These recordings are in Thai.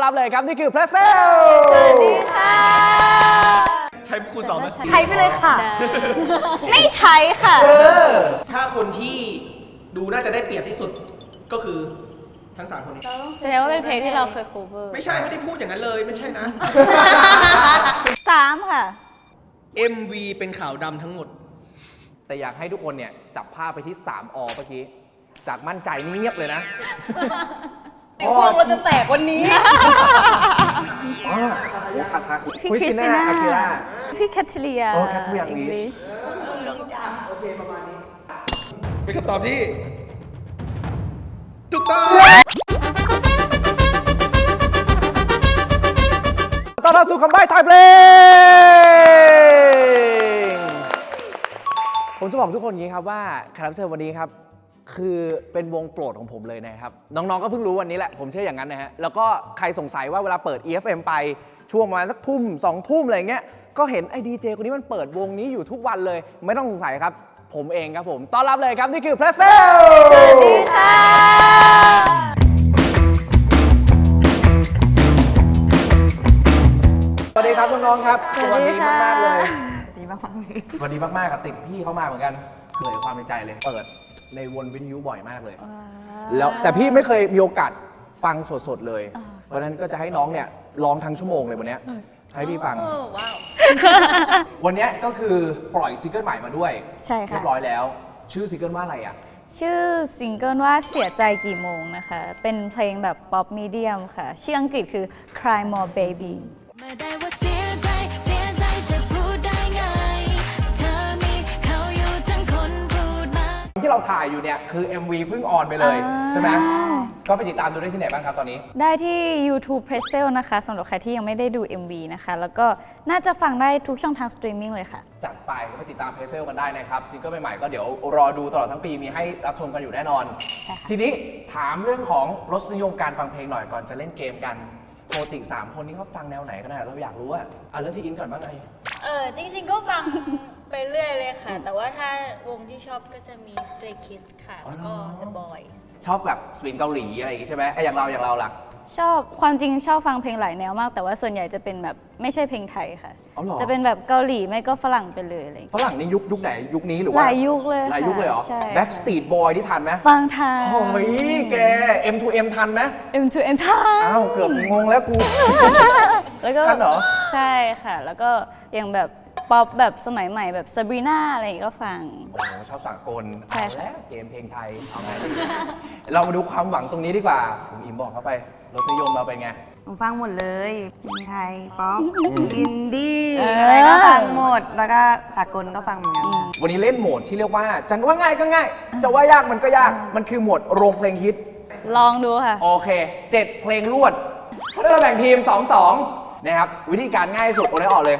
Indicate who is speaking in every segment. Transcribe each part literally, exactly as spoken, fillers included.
Speaker 1: รับเลยครับนี่คือเพรสเซล
Speaker 2: สวัสดีค่ะ
Speaker 3: ใช้ครูสอนไหม
Speaker 2: ใช้ไปเลยค่ะ ไม่ใช้ค่ะ
Speaker 3: ถ้าคนที่ดูน่าจะได้เปรียบที่สุดก็คือทั้งสามคนนี้
Speaker 2: แสดงว่าเป็นเพลงที่เราเคย cover
Speaker 3: ไม่ใช่ไม่ได้พูดอย่างนั้นเลยไม่ใช่นะ
Speaker 2: สามค่ะ
Speaker 3: เอ็ม วี เป็นขาวดำทั้งหมด
Speaker 1: แต่อยากให้ทุกคนเนี่ยจับภาพไปที่สามอเมื่อกี้จากมั่นใจนี่เงียบเลยนะ
Speaker 4: กลัวว่าจะแตกวันนี้
Speaker 1: คาคา
Speaker 2: พี่คริสติน่าพี่แคทเรีย
Speaker 1: โอ้แคทเรียอังกฤษ
Speaker 3: โอเคประมาณนี้เป็นคำตอบที่ถูกต้อง
Speaker 1: ต้อนรับสู่คำใบ้ไทยเพลงผมจะบอกทุกคนอย่างนี้ครับว่าแขกรับเชิญวันนี้ครับคือเป็นวงโปรดของผมเลยนะครับน้องๆก็เพิ่งรู้วันนี้แหละผมเชื่ออย่างนั้นนะฮะแล้วก็ใครสงสัยว่าเวลาเปิด อี เอฟ เอ็ม ไปช่วงประมาณสักทุ่มสองทุ่มอะไรเงี้ยก็เห็นไอ้ดีเจคนนี้มันเปิดวงนี้อยู่ทุกวันเลยไม่ต้องสงสัยครับผมเองครับผมต้อนรับเลยครับนี่คือเพรสเซล
Speaker 2: สวัสดีค่ะ
Speaker 1: สวัสดีครับน้องๆครับสวัสดีมากๆเลย
Speaker 4: ดีมากๆเลย
Speaker 1: สวัสดีมากๆกับติดพี่เข้ามาเหมือนกันเผยความในใจเลยเปิดในวนวิทยุบ่อยมากเลยแล้วแต่พี่ไม่เคยมีโอกาสฟังสดๆเลยเพราะฉะนั้นก็จะให้น้องเนี่ยร้องทั้งชั่วโมงเลยวันนี้ให้พี่ฟังวันนี้ก็คือปล่อยซิงเกิลใหม่มาด้วย
Speaker 2: ใช่ค่ะ
Speaker 1: เรียบร้อยแล้วชื่อซิงเกิลว่าอะไรอ่ะ
Speaker 2: ชื่อซิงเกิลว่าเสียใจกี่โมงนะคะเป็นเพลงแบบป๊อปมีเดียมค่ะชื่ออังกฤษคือ Cry More Baby
Speaker 1: ที่เราถ่ายอยู่เนี่ยคือ เอ็ม วี เพิ่งออนไปเลยใช่ไหมก็ไปติดตามดูได้ที่ไหนบ้างครับตอนนี้
Speaker 2: ได้ที่ YouTube p r e s s e l นะคะสำหรับใครที่ยังไม่ได้ดู เอ็ม วี นะคะแล้วก็น่าจะฟังได้ทุกช่องทางสตรีมมิ่งเลยค่ะ
Speaker 1: จัดไปก็ไปติดตามเพรสเซลกันได้นะครับซิงเกิลใหม่ๆก็เดี๋ยวรอดูตลอดทั้งปีมีให้รับชมกันอยู่แน่นอนทีนี้ถามเรื่องของรสนิยมการฟังเพลงหน่อยก่อนจะเล่นเกมกันปกติสามคนนี้เขาฟังแนวไหนกันนะเราอยากรู้อ่ะอ่ะเริ่มที่อินก่อนบ้างไง
Speaker 5: เออจริงๆก็ฟังไปเรื่อยเลยค่ะแต่ว่าถ้าวงที่ชอบก็จะมี Stray Kids ค่ะแล้วก็ The Boy
Speaker 1: ชอบแบบสปินเกาหลีอะไรอย่างงี้ใช่ไหมไอ้อย่างเราอย่างเราล่ะ
Speaker 2: ชอบความจริงชอบฟังเพลงหลายแนวมากแต่ว่าส่วนใหญ่จะเป็นแบบไม่ใช่เพลงไทยค่ะจะเป็นแบบเกาหลีไม่ก็ฝรั่งไปเลยอะไร
Speaker 1: ฝรั่งนี่ยุคยุคไหนยุคนี้หรือว่า
Speaker 2: หลายยุคเลย
Speaker 1: หลายยุคเลยเหรอ Backstreet Boy ที่ทันไหม
Speaker 2: ฟังทัน
Speaker 1: โอ้ยแก เอ็ม ทู เอ็ม ทันไหม
Speaker 2: เอ็ม ทู เอ็ม ทัน
Speaker 1: อ้าวเกือบงงแล้วกู
Speaker 2: แล้วก็
Speaker 1: ทันเหรอ
Speaker 2: ใช่ค่ะแล้วก็อย่างแบบป๊อปแบบสมัยใหม่แบบซาบรีน่าอะไรก็ฟัง
Speaker 1: โอ้ชอบสากล
Speaker 2: ใช่ค่ะ
Speaker 1: เกมเพลงไทยเอาไงเรามาดูความหวังตรงนี้ดีกว่าผมอิมบอกเข้าไปรสนิยมเราเป็นไง
Speaker 4: ผมฟังหมดเลยเพลงไทยป๊อปอินดี้อะไรก็ฟังหมดแล้วก็สากลก็ฟังเหมือนกัน
Speaker 1: วันนี้เล่นโหมดที่เรียกว่าจังว่าง่ายก็ง่ายจะว่ายากมันก็ยากมันคือโหมดโรงเพลงฮิต
Speaker 2: ลองดูค่ะ
Speaker 1: โอเคเจ็ดเพลงรวดเริ่มแบ่งทีม สอง สอง นะครับวิธีการง่ายสุดโอนให้ออกเลย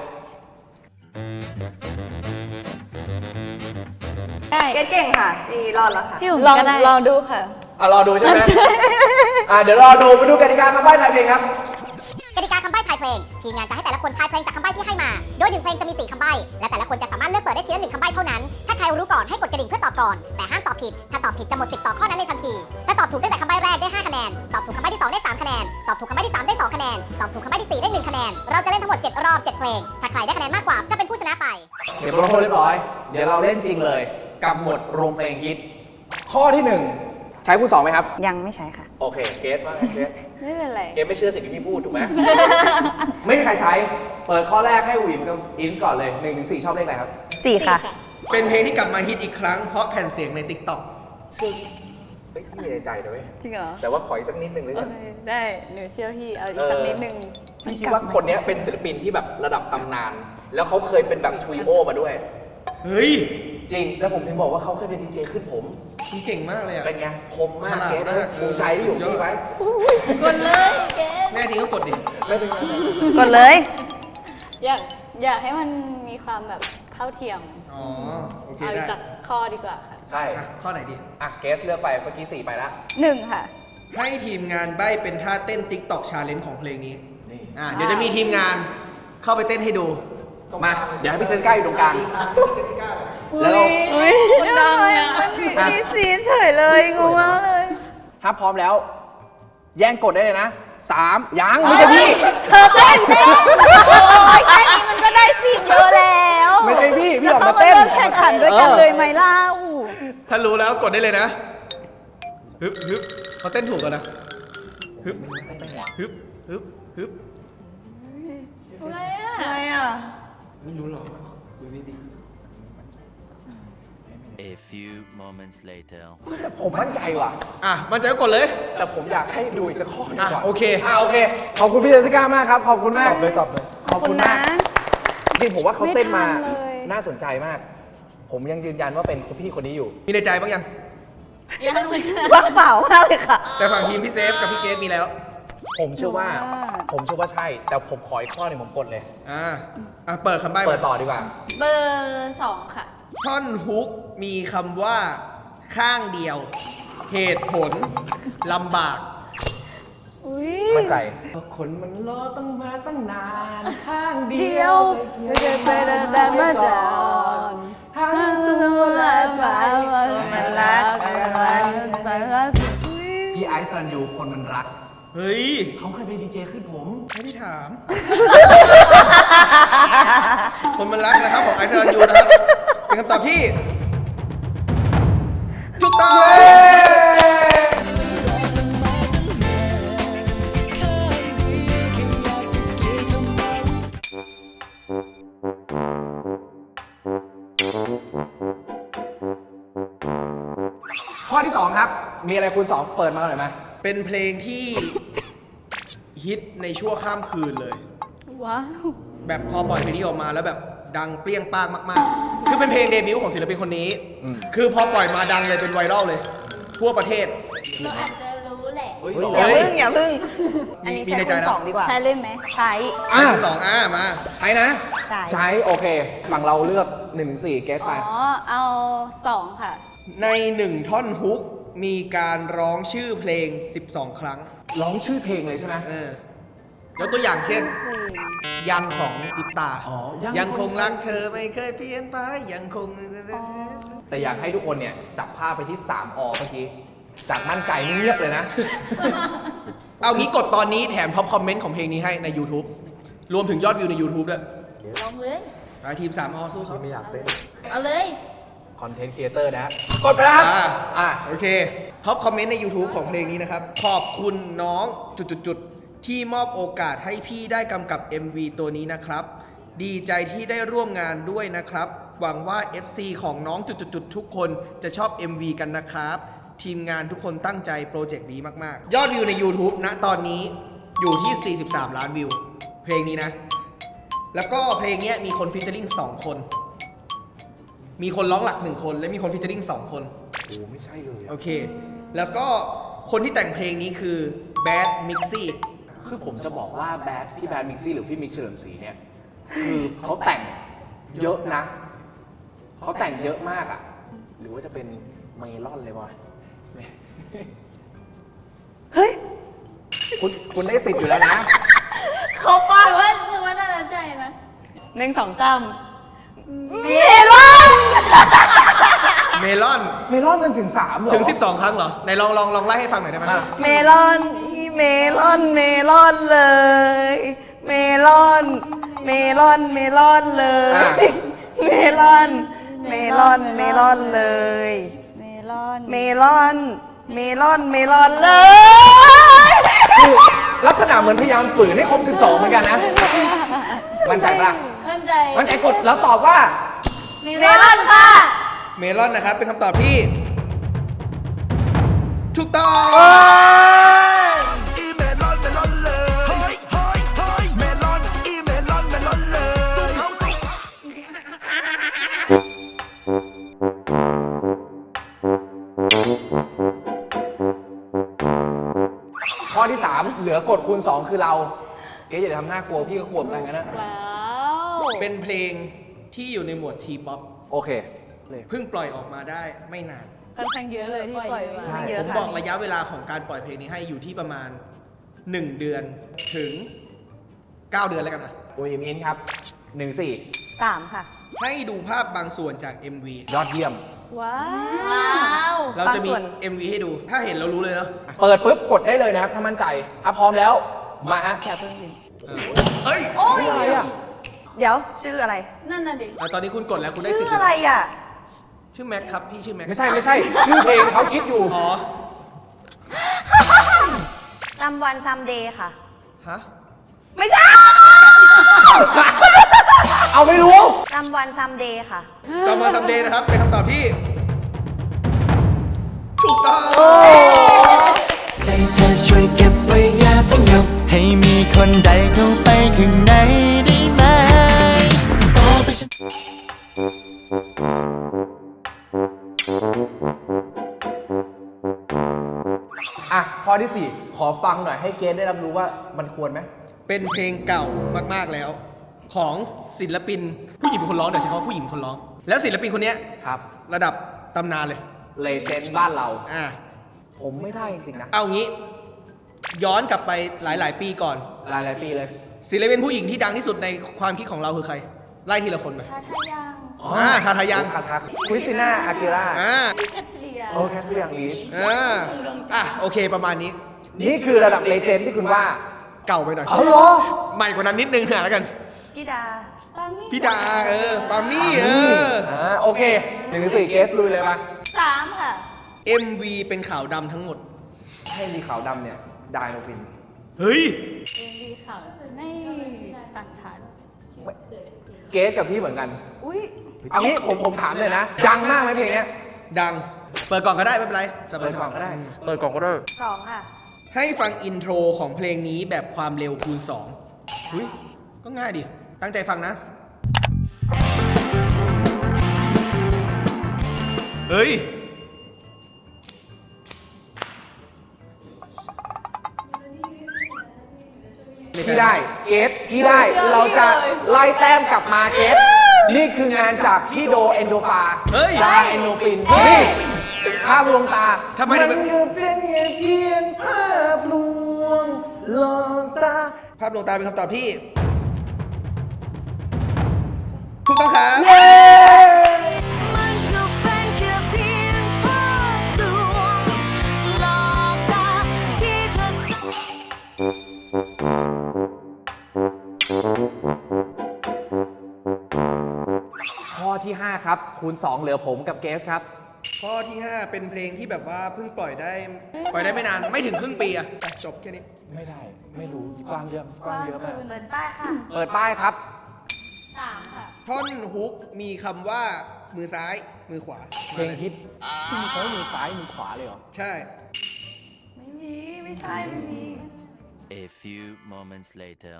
Speaker 4: เก่งค่ะดีรอดแล้วค่ะ
Speaker 2: พี่ลองลองดูค่ะ
Speaker 1: อ่ะรอดูใช่ไหมอ่ะเดี๋ยวรอดูไปดูกติกาคำใบ้ไทยเพลงครับ
Speaker 6: กติกาคำใบ้ไทยเพลงทีมงานจะให้แต่ละคนทายเพลงจากคำใบ้ที่ให้มาโดยหนึ่งเพลงจะมีสี่คำใบ้และแต่ละคนจะสามารถเลือกเปิดได้ทีละหนึ่งคำใบ้เท่านั้นถ้าใครรู้ก่อนให้กดกระดิ่งเพื่อตอบก่อนแต่ห้ามตอบผิดถ้าตอบผิดจะหมดสิทธิ์ตอบข้อนั้นในทันทีถ้าตอบถูกตั้งแต่คำใบ้แรกได้ห้าคะแนนตอบถูกคำใบ้ที่สองได้สามคะแนนตอบถูกคำใบ้ที่สามได้สองคะแนนตอบถูกคำใบ้ที่สี่ได้หนึ่งคะแนนเราจะเล่นทั้งหมดเจ็ดรอบเจ็ดเพลงถ้าใครได้คะแนนมากกว่าจะเป็นผู้ชนะไป
Speaker 1: เก็บโปรโมทเรียบร้อยเดี๋ยวเราเล่นจริงเลยกับหมวดโรงเพลงฮิตข้อที่หนึ่งใช้คูณสองไหมครับ
Speaker 4: ยังไม่ใช้ค่ะ
Speaker 1: โอเคเกสว่าไงเกส
Speaker 2: ไม่เป็นไร
Speaker 1: เกสไม่เชื่อสิ่งที่พี่พูดถูกไหม ไม่มีใครใช้เปิดข้อแรกให้วิมกับอินก่อนเลยหนึ่งถึงสี่ชอบเลขไหนครับ
Speaker 4: สี่ค่ะ
Speaker 3: เป็นเพลงที่กลับมาฮิตอีกครั้งเพราะแผ่นเสียงใน ติ๊กต็อก
Speaker 1: ซึ่งไม่มีในใจด้วย
Speaker 2: จริงเหรอ
Speaker 1: แต่ว่าขออีกสักนิดนึงเลย
Speaker 2: ได้หนูเชื่อพี่เอาอีกสักนิดนึง
Speaker 1: พี่คิดว่าคนนี้เป็นศิลปินที่แบบระดับตำนานแล้วเขาเคยเป็นแบบทรีโอมาด้วย
Speaker 3: เฮ้ย
Speaker 1: จริงแล้วผมถึงบอกว่าเขาเคยเป็นดีเจขึ้นผม
Speaker 3: คุณเก่งมากเลยอ่ะ
Speaker 1: เป็นไงคมมากเกสภูมิใจที่อยู่ที่ไว้
Speaker 2: กดเลยเกส
Speaker 3: แม่จริงก็กดดิ
Speaker 1: ไม่เป็นไร
Speaker 4: กดเลย
Speaker 2: อยากอยากให้มันมีความแบบเท่าเทียม
Speaker 3: อ๋อโอเค
Speaker 2: ได้เอาสักข้อดีกว่าค่ะ
Speaker 1: ใช่
Speaker 3: ข้อไหนดี
Speaker 1: อ่ะเกสเลือกไปเมื่อกี้สี่ไปแล้ว
Speaker 2: หนึ่งค่ะ
Speaker 3: ให้ทีมงานใบ้เป็นท่าเต้น TikTok Challenge ของเพลงนี้อ่าเดี๋ยวจะมีทีมงานเข้าไปเต้นให้ดู
Speaker 1: มาเดี๋ยวให้พี่เจสก้าอยู่ตรงกลาง
Speaker 2: แล้วมันดังเนี่ยมีซีเฉยเลยงงมากเลย
Speaker 1: ถ้าพร้อมแล้วแย่งกดได้เลยนะสามยังไม่ใช่พี่
Speaker 2: เธอเต้นโอ้ยแค่นี้มันก็ได้สิทธิ์เยอะแล้ว
Speaker 1: ไม่ใช่พี่พี่ออก
Speaker 2: จะ
Speaker 1: มา
Speaker 2: เข้ามา
Speaker 1: เต้น
Speaker 2: เริ่มแข่งขันด้วยกันเลยไหมเล่า
Speaker 3: ถ้ารู้แล้วกดได้เลยนะฮึบฮึบเขาเต้นถูกแล้วนะฮึบฮึบฮึบฮึบ
Speaker 5: อะไรอ่ะ
Speaker 4: อะไรอ่ะ
Speaker 7: A few moments later.
Speaker 1: ผมมั่นใจว่ะ
Speaker 3: อ่ะมันใจะก็กดเลย
Speaker 1: แต่ผมอยากให้ดูอีกสักข้อหนึงก่อน
Speaker 3: อ่ะโอเค
Speaker 1: อ่ะโอเค ขอบคุณพี่เจสสิก้ามากครับ ขอบคุณมาก ตอบเลยตอบเลย ขอบคุณมาก จริงผมว่าเขาเต้นมา
Speaker 2: ไม่ทันเลย
Speaker 1: น่าสนใจมาก ผมยังยืนยันว่าเป็นคุณพี่คนนี้อยู่
Speaker 3: มีในใจบ้างยัง
Speaker 5: ยังไม่ได้
Speaker 4: ว่างเปล่ามากเลยค่ะ
Speaker 3: แต่ฝั่งทีมพี่เซฟกับพี่เกสมีแล้ว
Speaker 1: ผมเชื่อว่า
Speaker 2: ว่า
Speaker 1: ผมเชื่อว่าใช่ แต่ผมขออีกข้อหนึ่งผมกดเลย
Speaker 3: อ่าอ่ะเปิดคำใบ้
Speaker 1: เปิด
Speaker 3: มา
Speaker 1: ต่อดีกว่า
Speaker 5: เบอร์สองค่ะ
Speaker 3: ท่อนฮุกมีคำว่าข้างเดียว เหตุผลลำบาก
Speaker 2: อุ้ย
Speaker 1: มั่นใจ คนมันรอตั้งมาตั้งนานข้างเดี
Speaker 2: เดี
Speaker 1: ย
Speaker 2: ยว วไม่เคยไปเดินดันมาจอน
Speaker 1: ทั้งตัวและใจ
Speaker 2: มันรักมันสังรัก
Speaker 1: พี่ไอซ์ซันยูคนมันรัก
Speaker 3: เฮ้ย
Speaker 1: เขาเคยเป็นดีเจขึ้นผม
Speaker 3: ไม่ได้ถาม คนมันรักนะครับของไอซ์รันยูนะครับ เป็นคำตอบที่ถูกต้อง
Speaker 1: ข้อที่สองครับ มีอะไรคุณสองเปิดมาหน่อยไหม
Speaker 3: เป็นเพลงที่ฮิตในชั่วข้ามคืนเลย
Speaker 2: ว้าว
Speaker 3: แบบพอปล่อยเพลงนี้ออกมาแล้วแบบดังเปรี้ยงป้างมากๆ คือเป็นเพลงเดบิวต์ของศิลปินคนนี้ คือพอปล่อยมาดังเลยเป็นไวรัลเลย ทั่วประเทศ
Speaker 5: เราอาจจะรู้แหละ
Speaker 1: เฮ้ย
Speaker 4: อย่าพึ่งอย่าพึ่ง อันนี้
Speaker 3: มี
Speaker 4: ใช้
Speaker 3: ในใจ
Speaker 4: คูณ
Speaker 3: นะ
Speaker 4: สองดีกว่า
Speaker 2: ใช้เลยไหม
Speaker 4: ใช้
Speaker 1: อ่ะ
Speaker 3: สองอ่ามา
Speaker 1: ใช้นะ
Speaker 4: ใช่
Speaker 1: ใช้ โอเค ฝั่งเราเลือกหนึ่งถึงสี่เกสไป
Speaker 2: อ๋อ เอาสองค่ะ
Speaker 3: ในหนึ่งท่อนฮุกมีการร้องชื่อเพลง สิบสอง ครั้ง
Speaker 1: ร้องชื่อเพลงเลยใช่ไหม
Speaker 3: เออยกตัวอย่างเช่น ยังของอิปตา
Speaker 1: อ๋อยัง
Speaker 3: ยังคง
Speaker 1: คง
Speaker 3: รักเธอไม่เคยเปลี่ยนไปยังคง
Speaker 1: แต่อยากให้ทุกคนเนี่ย จับภาพไปที่สามอเมื่อกี้ จากมั่นใจนี่เงียบเลยนะ
Speaker 3: เอางี้กดตอนนี้แถมท็อปคอมเมนต์ของเพลงนี้ให้ใน YouTube รวมถึงยอดวิวใน YouTube ด้วย
Speaker 5: ลองเลย
Speaker 3: อ่ะทีมสามอสู้เขา
Speaker 1: ไม่อยากเต้น
Speaker 5: เอาเลย
Speaker 1: คอนเทนต์ครีเอเตอร์นะฮะกดไปนะครับ
Speaker 3: อ่า
Speaker 1: อ่ะ
Speaker 3: โอเคท็อปคอมเมนต์ใน YouTube ของเพลงนี้นะครับ ขอบคุณน้องจุดๆๆที่มอบโอกาสให้พี่ได้กำกับ เอ็ม วี ตัวนี้นะครับ ดีใจที่ได้ร่วมงานด้วยนะครับ หวังว่า เอฟ ซี ของน้องจุดๆๆทุกคนจะชอบ เอ็ม วี กันนะครับ ทีมงานทุกคนตั้งใจโปรเจกต์นี้มากๆ ยอดวิวใน YouTube ณตอนนี้อยู่ที่ สี่สิบสาม ล้านวิว เพลงนี้นะ แล้วก็เพลงเนี้ยมีคนฟีเจอริ่งสองคน มีคนร้องหลักหนึ่งคน และมีคนฟีเจอริ่งสองคน
Speaker 1: โอ้ไม่ใช่เลย
Speaker 3: โอเค แล้วก็คนที่แต่งเพลงนี้คือ Bad Mixi
Speaker 1: คือผมจะบอกว่าแบดพี่แบดมิกซี่หรือพี่มิกเฉลิมศรีเนี่ย คือเขาแต่งเยอะนะ เขาแต่งเยอะมากอ่ะ หรือว่าจะเป็นเมลอนเลยวะ
Speaker 4: เฮ้ย
Speaker 1: คุณคุณได้สิทธิ์อยู่แล้วนะ
Speaker 4: เขาปะ
Speaker 5: แต่ว่ามึงว่าน่าจะใช่นะ
Speaker 4: หนึ่งสองสาม
Speaker 5: เม
Speaker 4: ลอน
Speaker 3: เมลอน
Speaker 1: เมลอนมันถึงสามเหรอ
Speaker 3: ถึง สิบสอง ครั้งเหรอไหนลองลองลองไล่ให้ฟังหน่อยได้ไหม
Speaker 1: อ่ะ
Speaker 4: เมลอนอีเมลอนเมลอนเลย เมลอน เมลอนเมลอนเลย เมลอน เมลอนเมลอนเลย
Speaker 2: เมลอน
Speaker 4: เมลอน เมลอนเมลอนเลย
Speaker 1: คือลักษณะเหมือนพยายามฝืนให้ครบสิบสองเหมือนกันนะ มั่นใจปะ
Speaker 5: มั่นใจ
Speaker 1: มั่นใจกดแล้วตอบว่า
Speaker 5: เมลอนค่ะ
Speaker 3: เมลอนนะครับ เป็นคำตอบที่ ถูกต้อง
Speaker 1: ข้อที่สามเหลือกดคูณสองคือเรา เก๋อย่าทำหน้ากลัวพี่ก็กลัวเหมือนกันนะ
Speaker 2: ว้าว
Speaker 3: เป็นเพลงที่อยู่ในหมวดทีป๊อป
Speaker 1: โอเคเลย
Speaker 3: เพิ่งปล่อยออกมาได้ไม่นาน
Speaker 2: ค่อนข้างเยอะเลยที่ปล่อยมา
Speaker 1: ใช่
Speaker 4: เย
Speaker 3: ผ
Speaker 4: อะ
Speaker 3: ม
Speaker 4: ค่ะ
Speaker 3: บอกระยะเวลาของการปล่อยเพลงนี้ให้อยู่ที่ประมาณ หนึ่ง เดือนถึง เก้า เดือนแล้วกันนะ
Speaker 1: โอ้ยมินครับหนึ่งสี่
Speaker 4: สามค่ะ
Speaker 3: ให้ดูภาพบางส่วนจาก เอ็ม วี
Speaker 1: ยอดเยี่ยม
Speaker 2: ว้า
Speaker 5: ว้าว ว
Speaker 3: เราจะมี
Speaker 4: บางส่วน
Speaker 3: เอ็ม วี ให้ดู ถ้าเห็นเรารู้เลยเนาะ
Speaker 1: เปิดปุ๊บกดได้เลยนะครับ ถ้ามั่นใจอ่ะพร้อมแล้ว มาฮะ
Speaker 4: อย่าเพิ่งดิ
Speaker 3: เอ้ย
Speaker 5: โอ้ย
Speaker 1: อะไรอ่ะ
Speaker 4: เดี๋ยวชื่ออะไร
Speaker 5: นั่นน่ะดิ
Speaker 3: อ่ะตอนนี้คุณกดแล้วคุณได้
Speaker 4: ชื่
Speaker 3: สิ
Speaker 4: อ
Speaker 3: ทธิ์
Speaker 4: อะไรอ่ะ
Speaker 3: ชื่อแม็กครับ พี่ชื่อแม็ก
Speaker 1: ไม่ใช่ไม่ใช่ ชื่อเพลงเขาคิดอยู่
Speaker 3: อ๋อ
Speaker 4: ซัมวันซัมเดย์ค่ะ
Speaker 3: ฮะ
Speaker 4: ไม่ใช่
Speaker 1: เอาไม่รู้
Speaker 4: ซัมวันซัมเดย์ค่ะ
Speaker 3: ซัมวันซัมเดย์นะครับ เป็นคำตอบที่ ถูกต้อง
Speaker 8: ใจเธอช่วยเก็บไว้อย่าเพิ่งยกให้มีคนใดเข้าไปข้างในได้ไหมต่อไปฉัน
Speaker 1: อ่ะ ข้อที่สี่ขอฟังหน่อยให้เกณฑ์ได้รับรู้ว่ามันควรไหม
Speaker 3: เป็นเพลงเก่ามากๆแล้ว ของศิลปินผู้หญิงเป็นคนร้องเดี๋ยวใช้คำว่าผู้หญิงเป็นคนร้อง แล้วศิลปินคนเนี้ย
Speaker 1: ครับ
Speaker 3: ระดับตำนานเลย
Speaker 1: เลเจนด์บ้านเรา
Speaker 3: อ่า
Speaker 1: ผมไม่ได้จริงๆนะ
Speaker 3: เอางี้ ย้อนกลับไปหลาย ๆ ปีก่อน
Speaker 1: หลายหลายๆปีเลย
Speaker 3: ศิลปินผู้หญิงที่ดังที่สุดในความคิดของเราคือใคร ไล่ทีละคนไป
Speaker 5: ทาทายัง
Speaker 3: อ่าทาทายัง
Speaker 1: คาทาคริสติน่าอากิรา
Speaker 3: อ่า
Speaker 5: พี่คัชเลีย
Speaker 1: โอ้แคทริยางลีช
Speaker 3: อ่าอ่ะโอเคประมาณนี้
Speaker 1: นี่คือระดับเลเจนด์ที่คุณว่า
Speaker 3: เก่าไปหน่อย
Speaker 1: เอาเหรอ
Speaker 3: ใหม่กว่านั้นนิดนึงหาแล้วกัน
Speaker 4: พี่ดา
Speaker 5: ปามี่
Speaker 3: พี่ดาเออปามี่เออ
Speaker 1: อ่าโอเคหนึ่งถึงสี่เกสลุยเลยปะ
Speaker 5: สามค่ะ
Speaker 3: เอ็ม วี เป็นขาวดำทั้งหมด
Speaker 1: ให้มีขาวดำเนี่ยไดโนฟิน
Speaker 3: เฮ้ย
Speaker 5: เอ็มวีข่าวในสันฐาน
Speaker 1: เกสกับพี่เหมือนกัน
Speaker 5: อุ้ย
Speaker 1: เอางี้ผมผมถามเลยนะ ดังมากไหมเพลงเนี้ย
Speaker 3: ดัง เปิดก่อนก็ได้ไม่เป็นไรสบา
Speaker 1: เปิ
Speaker 3: ย
Speaker 1: ด
Speaker 3: ๆ
Speaker 1: กล่องก็ได้ เปิดกล่องก็ได้
Speaker 4: สองค่ะ
Speaker 3: ให้ฟังอินโทรของเพลงนี้แบบความเร็วคูณสองอุ้ยก็ง่ายดิ ตั้งใจฟังนะ เฮ้ย
Speaker 1: พี่ได้ เกสพี่ได้ เราจะไล่แต้มกลับมาเกสนี่คืองานจากพี่โดเอนโดฟา
Speaker 3: เฮ้ย
Speaker 1: ดาเอนโดฟิน นี่ ภาพลวงตา
Speaker 3: ทำไม
Speaker 1: มั
Speaker 3: ถึง
Speaker 1: นก็เป็นแค่เพียงภาพลวงลองตา
Speaker 3: ภาพลวงตาเป็นคำตอบที่ ถูกต้องครับ
Speaker 2: มันก็เป็นแค่เพียงภาพลวงหลอกตาที่เธอ
Speaker 1: ข้อที่ ห้า ครับ คูณ สอง เหลือผมกับเกสครับ
Speaker 3: ข้อที่ ห้า เป็นเพลงที่แบบว่าเพิ่งปล่อยได้ ปล่อยได้ไม่นาน ไม่ถึงครึ่งปีอะไปจบแค่นี้
Speaker 1: ไม่ได้ ไม่รู้ กว้างเยอะ กว้างเยอะมาก
Speaker 4: เปิดป้ายค่ะ
Speaker 1: เปิดป้ายครับ
Speaker 5: สามค่ะ
Speaker 3: ท่อนฮุกมีคำว่ามือซ้าย มือขวา
Speaker 1: เพลงฮิตที่มีเขามือซ้ายมือขวาเลยเหรอ
Speaker 3: ใช่
Speaker 4: ไม่มี ไม่ใช่ ไม่มี
Speaker 7: A few moments later.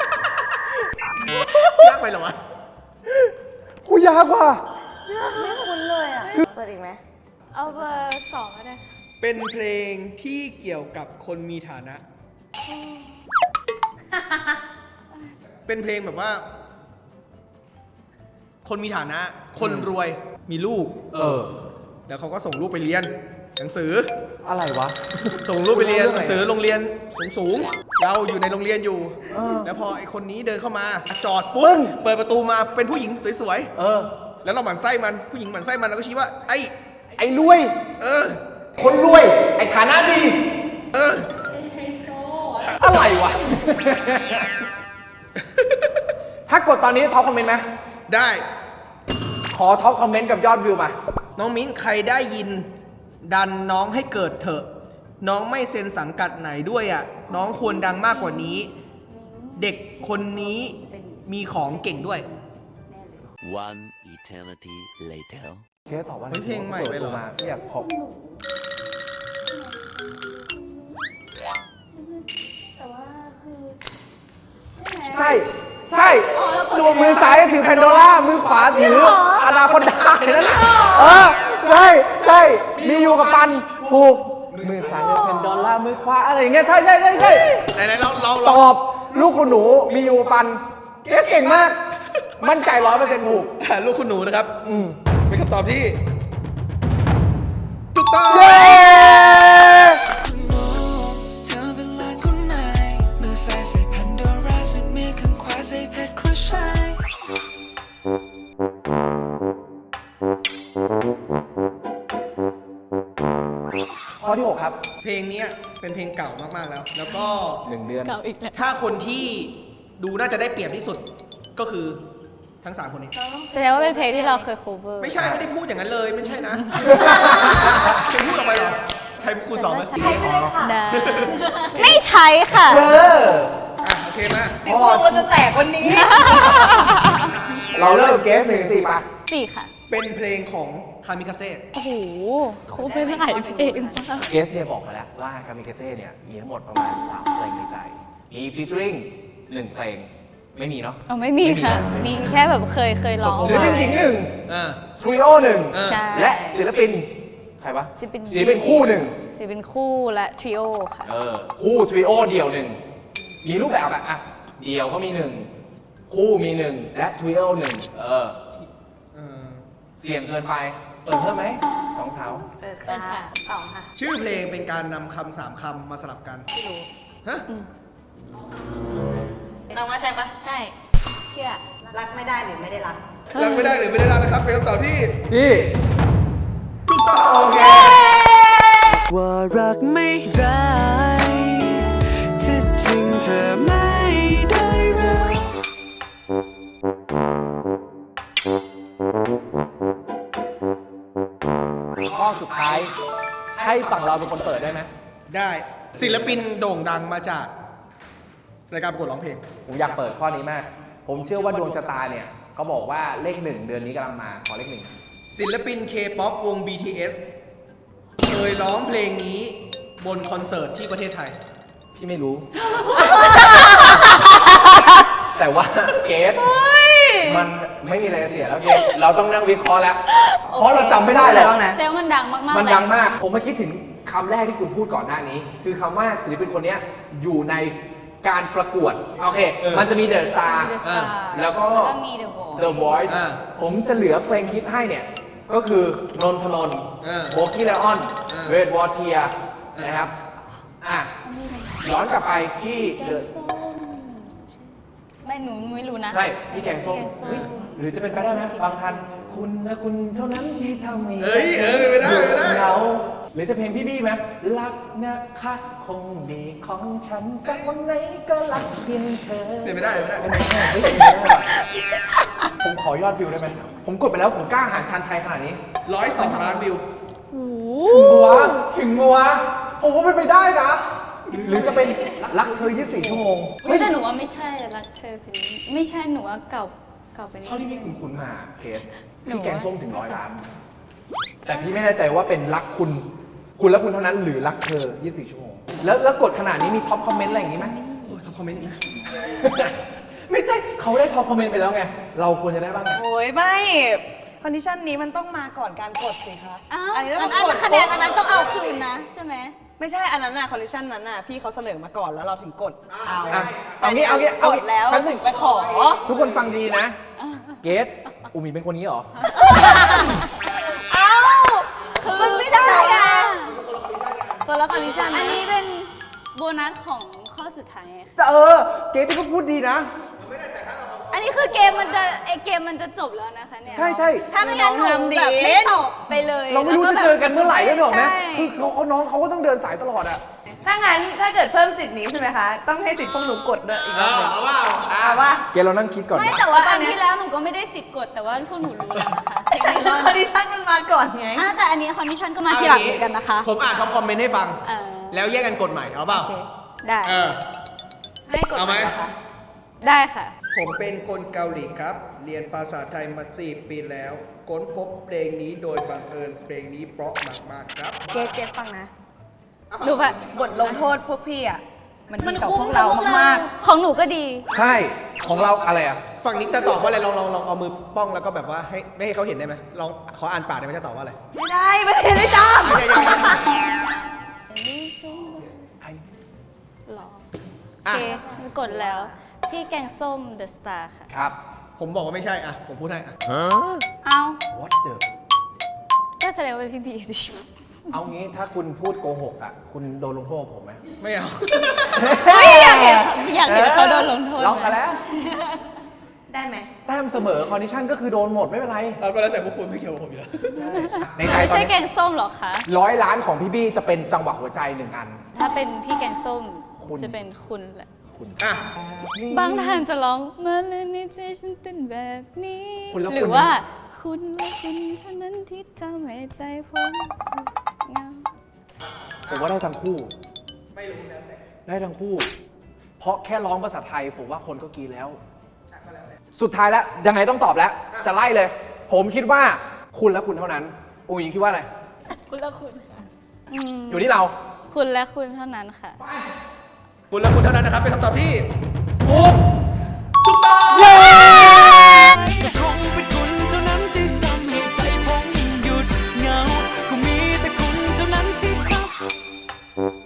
Speaker 3: ยากไปเหรอวะ
Speaker 1: คุยยากว่ะ
Speaker 4: ไม่คุ้นเลยอ่ะ เปิดอีกไหม
Speaker 5: เอาเบอร์สองก็ได้
Speaker 3: เป็นเพลงที่เกี่ยวกับคนมีฐานะ เป็นเพลงแบบว่า คนมีฐานะ คนรวย มีลูก
Speaker 1: เออ
Speaker 3: แล้วเขาก็ส่งลูกไปเรียน หนังสือ
Speaker 1: อะไรวะ
Speaker 3: ส่งลูกไปเรียน
Speaker 1: เรื่อง
Speaker 3: ห
Speaker 1: อะไร
Speaker 3: นังสือโรงเรียนสูงสูงๆเราอยู่ในโรงเรียนอยู่
Speaker 1: เออ
Speaker 3: แล้วพอไอคนนี้เดินเข้ามาจอด
Speaker 1: ปึ้
Speaker 3: ปุ๊บ
Speaker 1: ง
Speaker 3: เปิดประตูมาเป็นผู้หญิงสวย
Speaker 1: เออ
Speaker 3: ๆ แล้วเราหมั่นไส้มัน ผู้หญิงหมั่นไส้มันเราก็ชี้ว่า ไอ
Speaker 1: ไอ้รวย
Speaker 3: เออ
Speaker 1: คนรวย ไอ้ฐานะดี
Speaker 3: เออ
Speaker 1: อะไรวะ ถ้ากดตอนนี้ท็อปคอมเมนต์ไหม
Speaker 3: ได้
Speaker 1: ขอท็อปคอมเมนต์กับยอดวิวมา
Speaker 3: น้องมิ้นใครได้ยิน ดันน้องให้เกิดเถอะ น้องไม่เซ็นสังกัดไหนด้วยอ่ะ น้องควรดังมากกว่านี้ เด็กคนนี้มีของเก่งด้วย
Speaker 7: One eternity later.
Speaker 1: เกสตอบว่า
Speaker 3: เฮ้ยเพลงใหม่ไปเหรอ
Speaker 1: มาอยากขอบ
Speaker 5: แต่ว่าคือใช่ไหม
Speaker 1: ใช่ ใช่ตัวมือซ้ายถือแพนโดล่า มือขวาถืออนาคอนดานั่นแหละเออ ใช่ ใช่ มีอยู่กับปัน ถูก มือซ้ายถือแพนโดล่า มือขวาอะไรอย่างเงี้ย ใช่ใช่ใช่ใช่
Speaker 3: ไหนๆเราเรา
Speaker 1: ต
Speaker 3: เรา
Speaker 1: อบ ลูกคุณหนู มีอยู่กับปัน เกสเก่งมาก มั่นใจร้อยเปอร์เซ็นต์ถูก
Speaker 3: ลูกคุณหนูนะครับ
Speaker 1: อืม
Speaker 3: เป็นคำตอบที่ถูกต้อง
Speaker 1: เย้
Speaker 8: เธอเป็นหลานคนไหนมือซ้ายใส่แพนโดราส่วนมือข้างขวาใส่เพชรครูชาย
Speaker 3: เ
Speaker 1: ข้อที่หกครับ
Speaker 3: เพลงเนี้ยเป็นเพลงเก่ามากๆแล้ว แล้วก็
Speaker 1: หนึ่งเดือน
Speaker 2: เก่าอีกแล้ว
Speaker 3: ถ้าคนที่ดูน่าจะได้เปรียบที่สุดก็คือทั้งสามคนนี้
Speaker 2: แสดงว่าเป็นเพลงที่เราเคย cover
Speaker 3: ไม่ใช่ไม่ได้พูดอย่างนั้นเลยไม่ใช่นะ จะพูดออกไปเหรอ ใช้ครูสอนไหม
Speaker 2: ได้ไม่ใช้ค่ะ
Speaker 1: เออ
Speaker 3: อ่ะโอเคมา
Speaker 4: พี่พูดว่าจะแตกวันนี้
Speaker 1: เราเริ่มเกสหนึ่งสี่ปะ
Speaker 2: สี่ค่ะ
Speaker 3: เป็นเพลงของคามิคาเซ่
Speaker 2: โอ้โห cover หลายเพลงมาก
Speaker 1: เกสเนี่ยบอกมาแล้วว่ากามิเกเซ่เนี่ยมีทั้งหมดประมาณสามเพลงในใจ มีฟีเจอริงหนึ่งเพลง ไม่มีเนาะ
Speaker 2: อ๋อไม่มีค่ะ มีแค่แบบเคยเคยร้อง
Speaker 1: ศิลปินหญิงหนึ่ง
Speaker 3: อ่า
Speaker 1: ทริโอหนึ่ง
Speaker 2: ใช่
Speaker 1: และศิลปิน ใครวะ
Speaker 2: ศิลปิน
Speaker 1: ศิลปินคู่หนึ่ง
Speaker 2: ศิลปินคู่และทริโอค่ะ
Speaker 1: เออ คู่ทริโอเดี่ยวหนึ่ง มีรูปแบบอะอะเดี่ยวก็มีหนึ่ง คู่มีหนึ่ง และทริโอหนึ่ง เออ
Speaker 3: เออ
Speaker 1: เสี่ยงเกินไป เปิดเพิ่มไหมสองสาว
Speaker 4: เปิด
Speaker 2: เปิด
Speaker 4: ค่ะ
Speaker 2: ค่ะสองค่ะ
Speaker 3: ชื่อเพลงเป็นการนำคำสามคำมาสลับกันไม่รู้ฮะ
Speaker 4: น้องว่าใช่ปะ
Speaker 2: ใช่ เชื่อ
Speaker 4: รักไม่ได้หรือไม่ได้รัก
Speaker 3: รักไม่ได้หรือไม่ได้รักนะครับเป็นคำตอบที่
Speaker 1: พี่
Speaker 3: ถูกต้องโอเค
Speaker 8: ว่ารักไม่ได้ที่จริงเธอไม่ได้รัก
Speaker 1: ข้อสุดท้าย ให้ฝั่งเราเป็นคนเปิดได้ไหม
Speaker 3: ได้ศิลปินโด่งดังมาจากรายการประกวดร้องเพลง
Speaker 1: ผมอยากเปิดข้อนี้มาก ผมเชื่อว่าดวงชะตาเนี่ยเขาบอกว่าเลขหนึ่งเดือนนี้กำลังมา ขอเลขหนึ่ง
Speaker 3: ศิลปิน K-POP วง บี ที เอส เคยร้องเพลงนี้บนคอนเสิร์ตที่ประเทศไทย
Speaker 1: พี่ไม่รู้ แต่ว่าเกสมันไม่มีอะไรจะเสียแล้วเกสเราต้องนั่งวิเคราะห์แล้ว เพราะเราจำไม่ได้เลย
Speaker 4: อะไรบ้างนะ
Speaker 2: เซลลมันดังมากๆ
Speaker 1: มัน
Speaker 2: เลย
Speaker 1: ดังมาก ผมมาคิดถึงคำแรกที่คุณพูดก่อนหน้านี้ คือคำว่าศิลปินคนเนี้ยอยู่ในการประกวด โอเค มันจะมี The Star
Speaker 2: The Star
Speaker 1: แล้วก็
Speaker 2: แล้วก็มี The Voice
Speaker 1: The Voice
Speaker 3: อ่า
Speaker 1: ผมจะเหลือเพลงคิดให้เนี่ย ก็คือนนทนนท์
Speaker 3: อ่า
Speaker 1: โบกี้ไลออน
Speaker 3: อ่า
Speaker 1: เวดวอเทียนะครับ อ่ะ ย้อนกลับไปที่
Speaker 2: แก
Speaker 1: The
Speaker 2: งส้มไม่หนูไม่รู้นะ
Speaker 1: ใช่ พี่แกงส้ม
Speaker 2: แกงส้ม
Speaker 1: เฮ้ยหรือจะเป็นไปได้ไหมบางทัน คุณนะคุณเท่านั้นที่ทำให้
Speaker 3: เอ้ยเออเป็นไปได้เป็นไปได้
Speaker 1: เหงาหรือจะเพลงพี่บี้ไหมรักนะคะคงดีของฉันจากวันไหนก็รักเพียงเธอ
Speaker 3: เป็นไปได้เป็นไปได้
Speaker 1: เป็นไปได้เฮ้ยเป็นไปได้ว่ะผมขอยอดวิวได้ไหมผมกดไปแล้วผมกล้าหาญชันชัยขนาดนี้
Speaker 3: ร้อยสองล้านวิว
Speaker 1: ถึงวะถึงวะผมว่าเป็นไปได้นะ หรือจะเป็นรักเธอยี่สิบสี่ชั่วโมง
Speaker 2: เฮ้ยแต่หนูว่าไม่ใช่รักเธอคือไม่ใช่หนูว่าเก่าเก่าไปนิด
Speaker 1: เท่าที่
Speaker 2: นึ
Speaker 1: พี่
Speaker 2: ง
Speaker 1: คุณคุณมาเคส
Speaker 2: หนู
Speaker 1: พี่แกงส้มถึงร้อยล้าน แต่พี่ไม่แน่ใจว่าเป็นรักคุณ คุณและคุณเท่านั้นหรือรักเธอยี่สิบสี่ชั่วโมง แล้วแล้วกดขนาดนี้มีท็อปคอมเมนต์อะไรอย่างงี้ไหม
Speaker 3: โอ้ยคอมเมนต์นี้
Speaker 1: ไม่ใช่เขาได้ท็อปคอมเมนต์ไปแล้วไง เราควรจะได้บ้างไง
Speaker 4: โอ้ยไม่ คอนดิชันนี้มันต้องมาก่อนการกดสิคะ
Speaker 2: อ้าว
Speaker 4: อันนี้
Speaker 2: อั
Speaker 4: ต้
Speaker 2: น
Speaker 4: อง
Speaker 2: อัน
Speaker 4: กด
Speaker 2: คะแนนอันนั้นต้องเอาคืนนะ ใช่ไหม
Speaker 4: ไม่ใช่อันนั้นน่ะคอนดิชันนั้นน่ะพี่เขาเสนอมาก่อนแล้วเราถึงกดเอา
Speaker 1: อ่ะเอางี้เอางี้เอา
Speaker 4: ก
Speaker 1: งี้
Speaker 4: ดแล้ว
Speaker 1: ป๊บนึ
Speaker 4: ถึงไปขอ
Speaker 1: ทุกคนฟังดีนะ เกสอูมีเป็นคนนี้เหรอ
Speaker 4: เอ้าคือมันไม่ได้ไงคนละคอนดิชัน
Speaker 2: อันนี้เป็นโบนัสของข้อสุดท้ายไง
Speaker 1: จะเออ เกสพี่ก็พูดดีนะ
Speaker 2: อันนี้คือเกมมันจะไอเกมมันจะจบแล้วนะคะเนี่ย
Speaker 1: ใช่ใช่
Speaker 2: ถ้าไม่งั้นหนูแบบไม่ตอบไปเลย
Speaker 1: เราไม่รู้จะเจอกันเมื่อไหร่ด้วยหรอกไหม
Speaker 2: ใช่
Speaker 1: คือเขาเขาน้องเขาก็ต้องเดินสายตลอดอะ
Speaker 4: ถ้างั้นถ้าเกิดเพิ่มสิทธิ์นี้ใช่ไหมคะ ต้องให้สิทธิ์พวกหนูกดด้วยอีกรอบหนึ่ง
Speaker 3: เอาว่า
Speaker 4: เอาว่า
Speaker 1: เกสเรานั่งคิดก่อน
Speaker 2: ไม่
Speaker 1: นะ
Speaker 2: แต่ว่าอันที่แล้วหนูก็ไม่ได้สิทธิ์กดแต่ว่าพวกหนูรู้แล้วนะคะเทคนิค
Speaker 4: คอนดิชันมันมาก่อนไง
Speaker 2: อ่ะแต่อันนี้คอนดิชันก็มาทีหลังเหมือนกันนะคะ
Speaker 3: ผมอ่านท็อปคอมเมนต์ให้ฟัง
Speaker 2: เออ
Speaker 3: แล้วแยกกันกดใหม่เอาเปล่า
Speaker 2: โอเคได้
Speaker 3: เออ
Speaker 4: ให้กด
Speaker 3: เอาไหม
Speaker 4: ก่นนะคะ
Speaker 2: ได้ค่ะ
Speaker 3: ผมเป็นคนเกาหลีครับ เรียนภาษาไทยมาสี่ปีแล้ว ค้นพบเพลงนี้โดยบังเอิญเพลงนี้เพราะมากๆครับ
Speaker 4: เกตเกตฟังนะ
Speaker 2: ดูค่ะ
Speaker 4: บทลงโทษพวกพี่อ่ะ มัน
Speaker 2: มั
Speaker 4: ดี
Speaker 2: น
Speaker 4: ต่อ
Speaker 2: คุ้
Speaker 4: พ
Speaker 2: ม
Speaker 4: วก
Speaker 2: กั
Speaker 4: เรา
Speaker 2: บพวกเรา
Speaker 4: มาก
Speaker 2: ของหนูก็ดี
Speaker 1: ใช่ ของเราอะไรอะ
Speaker 3: ฝั่งนี้จะตอบว่าอะไรลองลองลองเอามือป้องแล้วก็แบบว่าให้ไม่ให้เขาเห็นได้ไหมลองขออ่านปากได้ไหมจะตอบว่าอะไร
Speaker 4: ๆ ไม่ได้ไม่ได้ไม่จ้า
Speaker 3: อ่ะอย่าอย่าอย่า
Speaker 2: หรอโอ
Speaker 3: อ่ะ
Speaker 2: เคกดแล้ว พี่แกงส้ม The Star ค่ะ
Speaker 1: ครับ
Speaker 3: ผมบอกว่าไม่ใช่อ่ะผมพูดให้อ่ะ
Speaker 2: เอา
Speaker 1: what the
Speaker 2: ก็แสดงว่าเป็นพี่บีดิ
Speaker 1: เอางี้ถ้าคุณพูดโกหกอะคุณโดนลงโทษผมไหม
Speaker 3: ไม่เอา
Speaker 2: ไม่อยากเห็นอยากเห็นเขาโดนลงโทษ
Speaker 1: ลองกันแล้ว
Speaker 4: ได้ไหม
Speaker 1: แต้มเสมอคอนดิชันก็คือโดนหมดไม่เป็นไร
Speaker 3: เอาก็แล้วแต่พวกคุณไม่เกี่ยวกับผมอยู่แล้ว
Speaker 1: ในใจ
Speaker 2: ไม่
Speaker 1: ตอน
Speaker 2: ใช่
Speaker 1: นี้
Speaker 2: แกงส้มหรอคะ
Speaker 1: ร้อยล้านของพี่บี้จะเป็นจังหวะหัวใจหนึ่งอัน
Speaker 2: ถ้าเป็นพี่แกงส้ม
Speaker 1: คุณ
Speaker 2: จะเป็นคุณแหละ
Speaker 3: อ่ะ
Speaker 2: บางท่านจะร้องมาเลยในใจฉันเป็นแบบนี้
Speaker 1: คุณแล้ว
Speaker 2: หรื
Speaker 1: คุณ
Speaker 2: ว่าคุณและคุณเท่านั้นที่ทำให้ใจผมเหงา
Speaker 1: ผมว่าได้ทั้งคู่ ไม่รู้แล้วแต่ได้ทั้งคู่ เพราะแค่ร้องภาษาไทยผมว่าคนก็กรีดแล้ว สุดท้ายแล้วยังไงต้องตอบแล้ว จะไล่เลย ผมคิดว่าคุณและคุณเท่านั้นอูยิงคิดว่าอะไร
Speaker 5: คุณละคุณค่ะ
Speaker 2: อืม
Speaker 1: อยู่ที่เรา
Speaker 2: คุณและคุณเท่านั้นค่ะ
Speaker 3: คุณและคุณเท่านั้นนะครับ เป็นคำตอบที่ถูกถูกต้อง
Speaker 8: ก็คงเป็นคุณเท่านั้นที่ทำให้ใจผมหยุดเหงา ก็มีแต่คุณเท่านั้นที่ทำ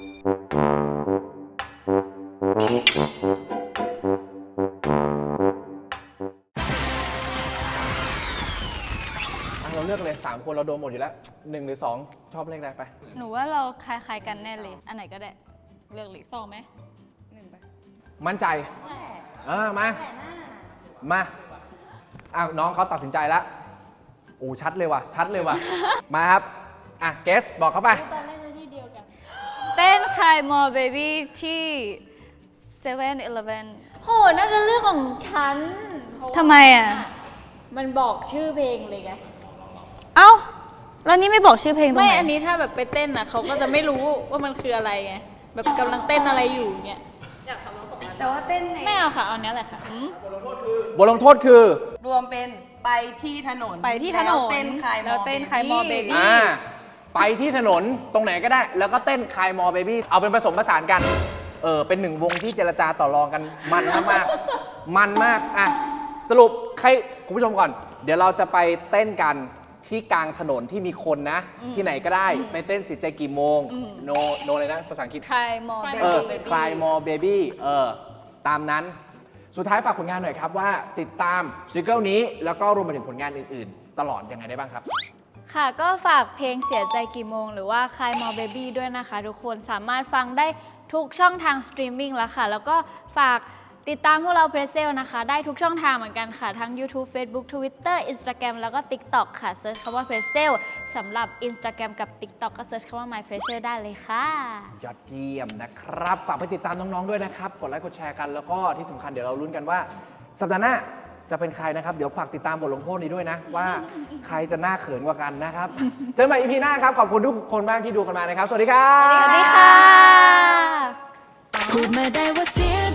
Speaker 1: อ่ะเราเลือกเลยสามคนเราโดนหมดอยู่แล้วหนึ่งหรือสองชอบเลขใดไป
Speaker 2: หนูว่าเราคล้ายๆกันแน่เลย อันไหนก็ได้ เลือกเลยสองไหม
Speaker 1: มั่นใจเออมา มาอ้าวน้องเขาตัดสินใจแล้วโอ้ชัดเลยว่ะ ชัดเลยว่ะ มาครับ อ่ะ เกส บอกเขาไป
Speaker 5: ตอนแรกจะที่เดียวกัน
Speaker 2: เต้น Cry More Baby ที่เซเว่นอีเลฟเว่น
Speaker 5: โห น่าจะเรื่องของฉันเพราะว่า
Speaker 2: ทำไมอ่ะ
Speaker 5: มันบอกชื่อเพลงเลยไง
Speaker 2: เอ้า แล้วนี่ไม่บอกชื่อเพลงตรง
Speaker 5: ไม่
Speaker 2: ไหน
Speaker 5: อันนี้ถ้าแบบไปเต้นอ่ะเขาก็จะไม่รู้ว่ามันคืออะไรไง แบบกำลังเต้นอะไรอยู่เงี้ย
Speaker 4: แต่ว่าเต้นใน
Speaker 5: ไม่เอาค่ะ เอาเนี้ยแหละค่ะ
Speaker 1: บทลงโทษคือ
Speaker 4: รวมเป็นไปที่ถนน
Speaker 2: ไปที่ถนน
Speaker 4: แล้วเต้นคลายม
Speaker 2: แล้วเต้น Cry More Baby
Speaker 1: อ่า ไปที่ถนนตรงไหนก็ได้ แล้วก็เต้นคลายมอเบบี้เอาเป็นผสมผสานกัน เออ เป็นหนึ่งวงที่เจรจาต่อรองกันมันมากๆ มันมาก อ่ะ สรุปใครคุณผู้ชมก่อน เดี๋ยวเราจะไปเต้นกันที่กลางถนนที่มีคนนะ ที่ไหนก็ได้ ไปเต้นสิใจกี่โมง โน โนเลยนะ ภาษาอังกฤษ
Speaker 2: Cry More
Speaker 1: เออ
Speaker 2: Baby
Speaker 1: Cry More Baby เออ ตามนั้น สุดท้ายฝากผลงานหน่อยครับว่าติดตามซิงเกิลนี้แล้วก็รวมไปถึงผลงานอื่นๆ ตลอดยังไงได้บ้างครับ
Speaker 5: ค่ะก็ฝากเพลงเสียใจกี่โมงหรือว่า Cry More Baby ด้วยนะคะ ทุกคนสามารถฟังได้ทุกช่องทางสตรีมมิ่งแล้วค่ะ แล้วก็ฝากติดตามพวกเราเพรสเซลนะคะ ได้ทุกช่องทางเหมือนกันค่ะ ทั้ง YouTube Facebook Twitter Instagram แล้วก็ TikTok ค่ะเซิร์ชคำว่าเพรสเซลสำหรับ Instagram กับ TikTok ก็เซิร์ชคำว่า My p r e s s e l ได้เลยค่ะ
Speaker 1: ยอดเยี่ยมนะครับ ฝากไปติดตามน้อง ๆ ด้วยนะครับ กดไลค์กดแชร์กัน แล้วก็ที่สำคัญเดี๋ยวเราลุ้นกันว่า สัปดาห์หน้าจะเป็นใครนะครับ เดี๋ยวฝากติดตามบทลงโทษนี้ด้วยนะ ว่าใครจะน่าเขินกว่ากันนะครับ เจอกันใหม่ อี พี หน้าครับ ขอบคุณทุกคนมากที่ดูกันมานะครับ สวัสดีครับ
Speaker 2: สวัสดีค่ะ
Speaker 8: พูดมาได้ว่าเสีย